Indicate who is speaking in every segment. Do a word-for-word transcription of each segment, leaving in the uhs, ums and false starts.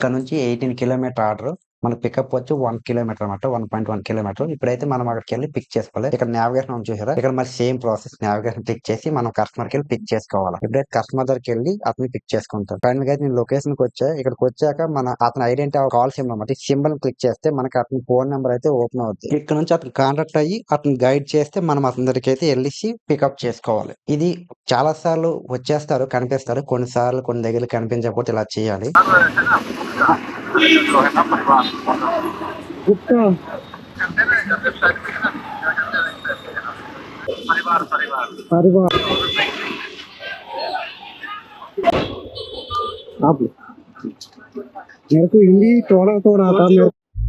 Speaker 1: ఇక్కడ నుంచి eighteen kilometre order మన పికప్ వచ్చి వన్ కిలోమీటర్ అనమాట వన్ పాయింట్ వన్ కిలోమీటర్ ఇప్పుడైతే మనం అక్కడికి వెళ్ళి పిక్ చేసుకోవాలి. ఇక్కడ నావిగేషన్ ఉంది చూసారా, ఇక్కడ మరి సేమ్ ప్రాసెస్ నావిగేషన్ క్లిక్ చేసి మనం కస్టమర్ కి వెళ్ళి పిక్ చేసుకోవాలి. ఇప్పుడైతే కస్టమర్ దగ్గరికి వెళ్ళి అతను పిక్ చేసుకుంటాం. ఫైనల్ గా అయితే నేను లొకేషన్ కి వచ్చా. ఇక్కడికి వచ్చాక మన అతను ఐడెంటిటీ కాల్ సింబల్ అనమాట, సింబల్ క్లిక్ చేస్తే మనకి అతని ఫోన్ నెంబర్ అయితే ఓపెన్ అవుతుంది. ఇక్కడ నుంచి అతను కాంటాక్ట్ అయ్యి అతను గైడ్ చేస్తే మనం అతని దగ్గరికి అయితే వెళ్ళి పికప్ చేసుకోవాలి. ఇది చాలా సార్లు వచ్చేస్తారు, కనిపిస్తారు, కొన్నిసార్లు కొన్ని దగ్గర కనిపించకపోతే ఇలా చేయాలి.
Speaker 2: आप मेरे को हिंदी थोड़ा थोड़ा आता है.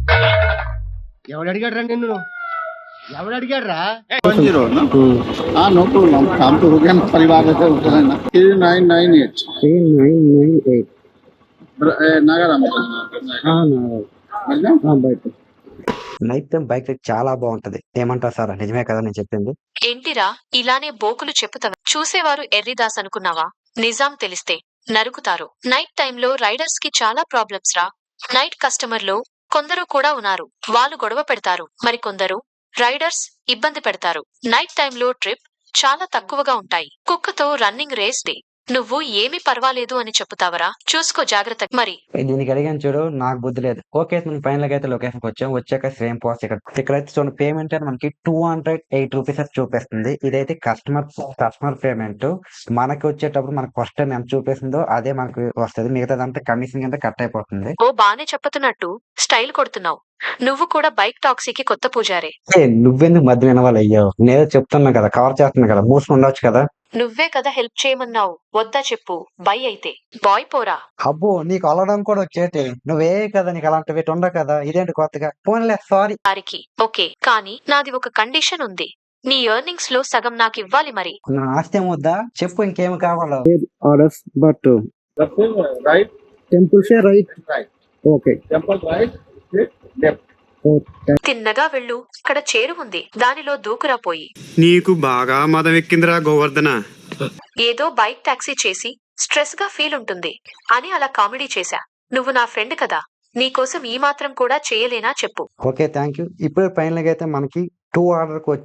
Speaker 3: ఎవడు అడిగాడు రా నిన్ను ఎవడు అడిగాడు రా
Speaker 4: जीरो ना हाँ नो प्रॉब्लम काम तो हो गया ना परिवार रहते होते ना three nine nine eight
Speaker 2: three nine nine eight
Speaker 4: Nagaram
Speaker 2: हाँ ना हाँ బయట
Speaker 1: నైట్ టైం బైక్ రైడ్ చాలా బాగుంటది. ఏమంటారు సార్? నిజమే కదా నేను చెప్పింది?
Speaker 5: ఏంటిరా ఇలానే బోకులు చెప్పుతావా? చూసేవారు ఎర్రిదాస్ అనుకున్నావా? నిజాం తెలిస్తే నరుకుతారు. నైట్ టైంలో రైడర్స్ కి చాలా ప్రాబ్లమ్స్ రా. నైట్ కస్టమర్ లో కొందరు కూడా ఉన్నారు, వాళ్ళు గొడవ పెడతారు. మరి కొందరు రైడర్స్ ఇబ్బంది పెడతారు. నైట్ టైంలో ట్రిప్ చాలా తక్కువగా ఉంటాయి. కుక్కతో రన్నింగ్ రేస్ డే. నువ్వు ఏమీ పర్వాలేదు అని చెప్పుతావరా? చూసుకో జాగ్రత్త. మరి
Speaker 1: దీనికి అడిగాను చూడు, నాకు బుద్ధి లేదు. ఓకే మనం ఫైనల్ గా అయితే లొకేషన్ కి వచ్చాం. వచ్చాక సేమ్ ప్రాసెస్ ఇక్కడ ఇక్కడైతే చూడండి, పేమెంట్ అని మనకి టూ హండ్రెడ్ ఎయిట్ రూపీస్ అని చూపిస్తుంది. ఇదైతే కస్టమర్ కస్టమర్ పేమెంట్. మనకి వచ్చేటప్పుడు మనకు ఫస్ట్ టైం ఎంత చూపిస్తుందో అదే మనకు వస్తుంది. మిగతాదంతా కమిషన్ కింద కట్ అయిపోతుంది.
Speaker 5: ఓ బానే చెప్పుతున్నట్టు స్టైల్ కొడుతున్నావు. నువ్వు కూడా బైక్ టాక్సీకి కొత్త పూజారే.
Speaker 1: ఏ నువ్వెందుకు మధ్య వినవాలి? అయ్యో నేను చెప్తున్నా కదా, కవర్ చేస్తున్నా కదా, మూసుకుని ఉండొచ్చు కదా.
Speaker 5: నువ్వే కదా హెల్ప్ చేయమన్నావు. వద్దా చెప్పు. బై అయితే బాయ్ పోరా.
Speaker 1: అబ్బో నీకు అలడం కూడా వచ్చేటి. నువ్వే కదా, నీకు అలాంటివి ఉండవు కదా. ఇదేంటి కొత్తగా? పోన్లే సారీ.
Speaker 5: వారికి ఓకే, కానీ నాది ఒక కండిషన్ ఉంది. నీ ఎర్నింగ్స్ లో సగం నాకు ఇవ్వాలి. మరి
Speaker 1: నా ఆస్తి ఏమొద్దా చెప్పు, ఇంకేమి కావాలో?
Speaker 2: ఆర్డర్స్ బట్
Speaker 4: राइट
Speaker 2: टेंपल से right
Speaker 4: right
Speaker 2: okay
Speaker 4: temple right left
Speaker 5: తిన్నగా వెళ్ళు. ఇక్కడ చేరు ఉంది, దానిలో దూకురా పోయి.
Speaker 6: నీకు బాగా మదం ఎక్కిందిరా గోవర్ధన.
Speaker 5: ఏదో బైక్ టాక్సీ చేసి స్ట్రెస్ గా ఫీల్ ఉంటుంది అని అలా కామెడీ చేశా. నువ్వు నా ఫ్రెండ్ కదా, నీకోసం ఈ మాత్రం కూడా చేయలేనా చెప్పు.
Speaker 1: Okay thank you. ఇప్పుడు ఫైనల్ గా అయితే మనకి టూ ఆర్డర్